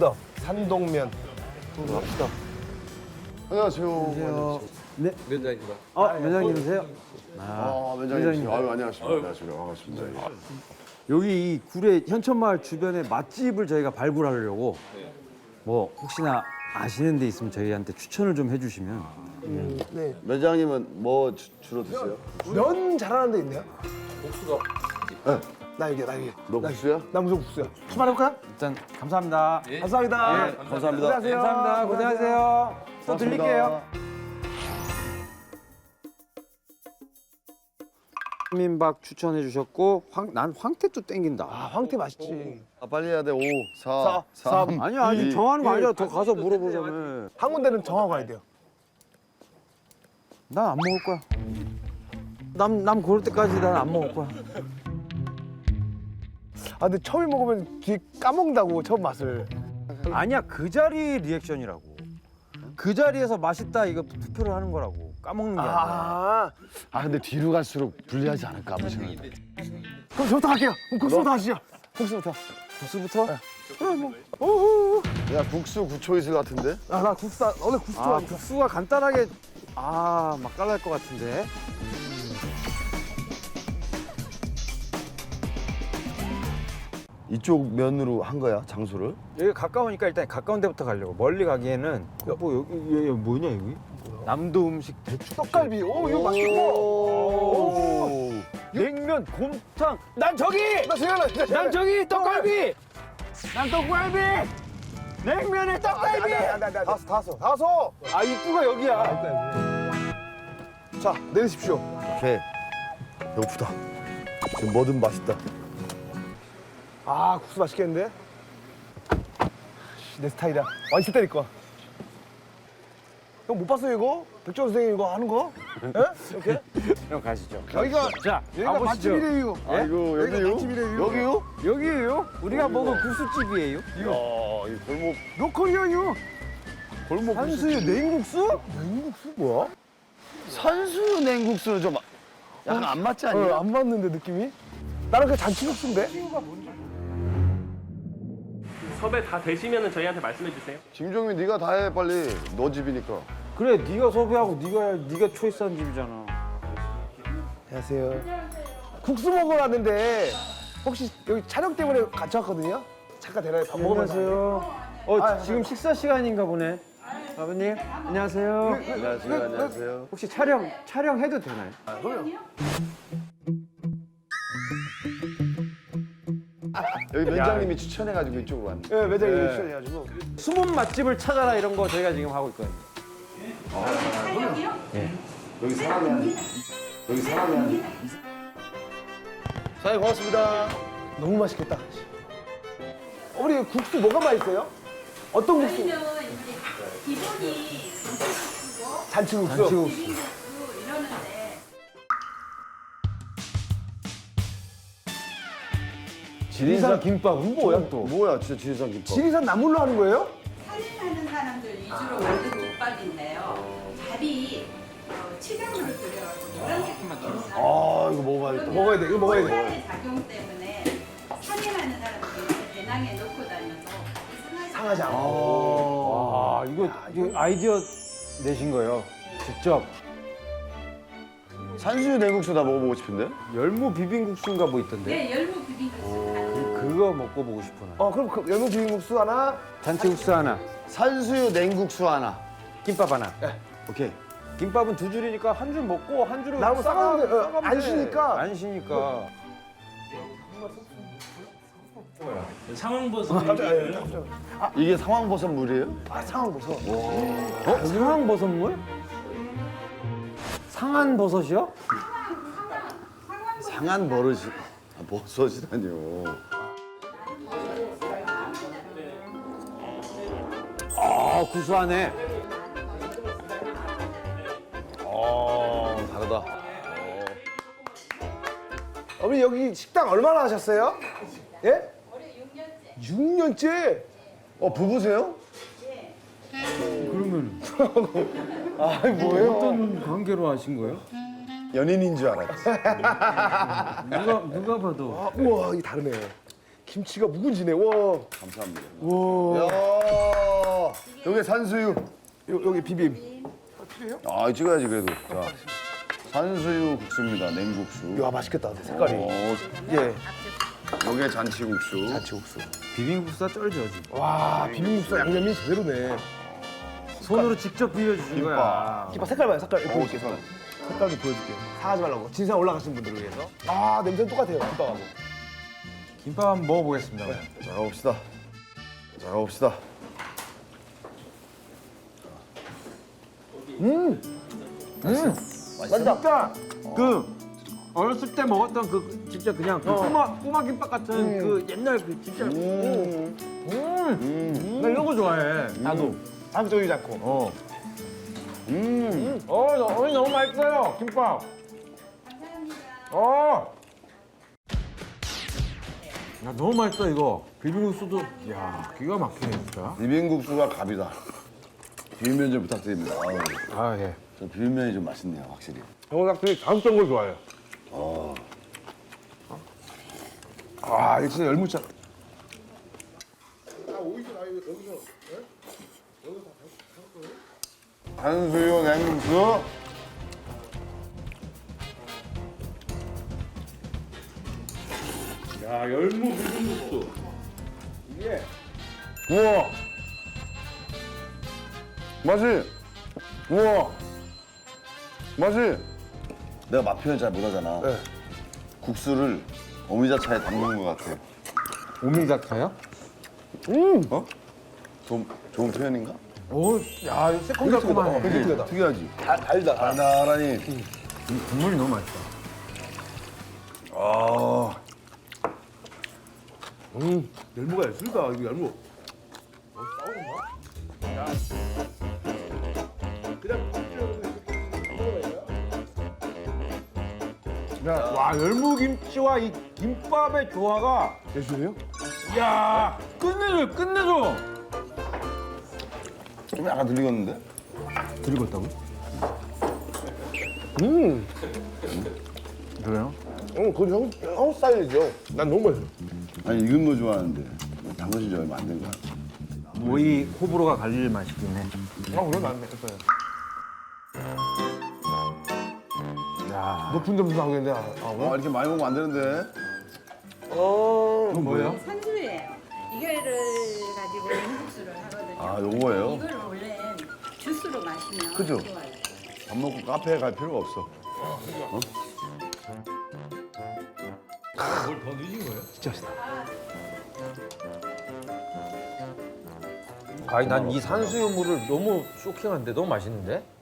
굿업 산동면. 갑시다. 안녕하세요. 네. 면장입니다. 면장님이세요? 면장님. 아유, 안녕하십니까. 안녕하십니까. 반갑습니다. 여기 이 구례 현천마을 주변에 맛집을 저희가 발굴하려고 뭐 혹시나 아시는 데 있으면 저희한테 추천을 좀 해주시면. 네. 면장님은 뭐 주로 드세요? 면 잘하는 데 있나요? 복수가 나 여기. 너 국수야? 나 무슨 국수야. 출발해볼까요? 일단 감사합니다. 감사합니다. 예, 감사합니다. 고생하세요. 감사합니다. 고생하세요. 또 들릴게요. 민박 추천해 주셨고 난 황태도 땡긴다. 아, 황태 맛있지. 빨리 해야 돼. 5, 4, 3. 아니야 아직 정하는 거 아니야. 더 가서 물어보자면. 한 군데는 정하고 가야 돼요. 난 안 먹을 거야. 남 고를 때까지 난 안 먹을 거야. 아, 근데 처음 먹으면 뒤에 까먹는다고, 처음 맛을. 아니야 그 자리 리액션이라고. 그 자리에서 맛있다 이거 투표를 하는 거라고. 까먹는 게 아니라. 근데 뒤로 갈수록 불리하지 않을까 아무 생각이. 그럼 저부터 할게요. 그럼 국수부터 하시죠. 국수부터. 국수부터? 야, 국수 9초 있을 것 같은데? 나 국수, 원래 국수 아 좋아하니까. 국수가 간단하게 맛깔날 것 같은데. 이쪽 면으로 한 거야, 장소를? 여기 가까우니까 일단 가까운 데부터 가려고. 멀리 가기에는 뭐 여기 뭐냐 여기? 남도 음식 대추 떡갈비. 오, 이거 맛있고. 오. 냉면 곰탕. 난 저기. 나 생각나. 난 저기 떡갈비. 난 떡갈비. 냉면에 떡갈비. 다섯. 아 입구가 여기야. 자, 내리십시오. 오케이. 배고프다. 지금 뭐든 맛있다. 아, 국수 맛있겠는데? 내 스타일이야. 완전 때릴 거야. 형 못 봤어요, 이거? 백종원 선생님 이거 하는 거? 예? 이렇게? 형 가시죠. 여기가, 자 여기가 가보시죠. 맛집이래요. 아이고, 여기가 여기요? 맛집이래요. 여기요? 여기에요? 우리가 먹은 국수집이에요. 이야, 이 골목, 로컬이요. 골목 한수유 냉국수? 냉국수 뭐야? 산수유 냉국수는 좀 약간 안 맞지 않냐? 안 맞는데 느낌이? 나는 그냥 잔치국수인데? 섭외 다 되시면 저희한테 말씀해 주세요. 김종민, 네가 다 해, 빨리. 너 집이니까. 그래 네가 섭외하고 네가 초이스한 집이잖아. 안녕하세요. 국수 먹으러 왔는데 혹시 여기 촬영 때문에 같이 왔거든요? 잠깐 대라에 밥 먹으면서. 안녕하세요. 지금 식사 시간인가 보네. 아버님 안녕하세요. 안녕하세요, 안녕하세요. 혹시 촬영해도 되나요? 여기 면장님이 추천해가지고 이쪽으로 왔네. 네, 매장에 출연해가지고. 숨은 맛집을 찾아라 이런 거 저희가 지금 하고 있거든요. 여기 사람이 한. 사장님 고맙습니다. 너무 맛있겠다. 어머니 국수 뭐가 맛있어요? 어떤 국수? 저희는 이제 기본이 국수고 잔치국수. 비빔국수 이러는데 지리산 김밥은 뭐야 또? 뭐야, 진짜 지리산 김밥. 지리산 나물로 하는 거예요? 살림하는 사람들 위주로 만든 김밥인데요. 밥이 치장으로 끓여가지고 노란색만 김밥. 이거 먹어봐야겠다. 먹어야 돼. 이거 먹어야 돼. 살의 작용 때문에 살림하는 사람들이 배낭에 넣고 다녀서 상하지 않고. 와 이거 아이디어 내신 거예요. 직접. 산수유 냉국수 나 먹어보고 싶은데? 열무 비빔국수인가 뭐 있던데. 네, 열무 비빔국수 가능. 그거 먹고 보고 싶구나. 그럼 그 열무 비빔국수 하나. 잔치국수 하나, 산수유 냉국수 하나. 김밥 하나. 오케이. 김밥은 두 줄이니까 한 줄 먹고 한 줄은 나무 싸가면 돼. 싸가면 안 돼. 쉬니까. 안 쉬니까. 상황버섯 이게 상황버섯 물이에요? 상황버섯. 상황버섯물? 상한버섯이요? 상한 버릇이. 버섯이라뇨. 구수하네. 다르다. 어머니 여기 식당 얼마나 하셨어요? 예? 올해 6년째. 부부세요? 그러면 뭐예요? 어떤 관계로 하신 거예요? 연인인 줄 알았지. 누가 봐도. 우와, 이게 다르네. 김치가 묵은지네. 와. 감사합니다. 와. 야, 산수유. 여기 비빔. 아, 찍어야지 그래도. 자, 산수유 국수입니다. 냉국수. 야 맛있겠다. 색깔이. 예. 요게 잔치국수. 잔치국수. 비빔국수가 쩔죠 지금. 와 비빔국수 양념이 제대로네. 손으로 직접 비벼주신 거야. 김밥 색깔 봐요. 색깔 보여줄게. 색깔도 보여줄게. 상하지 말라고. 진상 올라가신 분들을 위해서. 아 냄새는 똑같아요. 김밥하고. 김밥 한번 먹어보겠습니다. 자, 가봅시다. 자, 가봅시다. 진짜 그 어렸을 때 먹었던 그 진짜 그냥 그 꼬마 김밥 같은 그 옛날 그 진짜. 나 이런 거 좋아해. 나도. 자극적이지 않고. 너무 맛있어요, 김밥. 야, 너무 맛있어 이거. 비빔국수도, 야, 기가 막히네 진짜. 비빔국수가 갑이다. 비빔면 좀 부탁드립니다. 아유, 아 예. 저 비빔면이 좀 맛있네요, 확실히. 형은 확실히 자극적인 걸 좋아해요. 아 이거 진짜 열무차. 산수유 냉국수. 야, 열무 비빔국수. 우와. 맛이. 우와. 맛이. 내가 맛 표현 잘 못하잖아. 네. 국수를 어미자차에 담근 것 같아. 오미자차요? 어? 좋은 표현인가? 오, 야, 이거 새콤달콤하네. 특이하다. 특이하지. 달다. 달달하니. 국물이 너무 맛있다. 아. 열무가 예술이다. 이거 열무. 와, 열무김치와 이 김밥의 조화가, 예술이에요? 야, 끝내줘, 끝내줘. 좀 약간 들리겠는데? 들리겠다고? 그래요? 그건 형 스타일이죠. 난 너무 맛있어. 아니 익은 거 좋아하는데 담그신 지 얼마 안 된 거야. 모이 호불호가 갈릴 맛이긴 해. 그럼 안 됐어요. 야, 높은 점수 나오겠네. 아 이렇게 많이 먹으면 안 되는데. 뭐예요? 산수예요. 이거를 가지고 냉국수를 하거든요. 아 요거예요? 이걸 원래 주스로 마시면 그죠? 좋아요. 밥 먹고 카페에 갈 필요가 없어. 아니 난 이 산수유물을 너무 쇼킹한데 너무 맛있는데?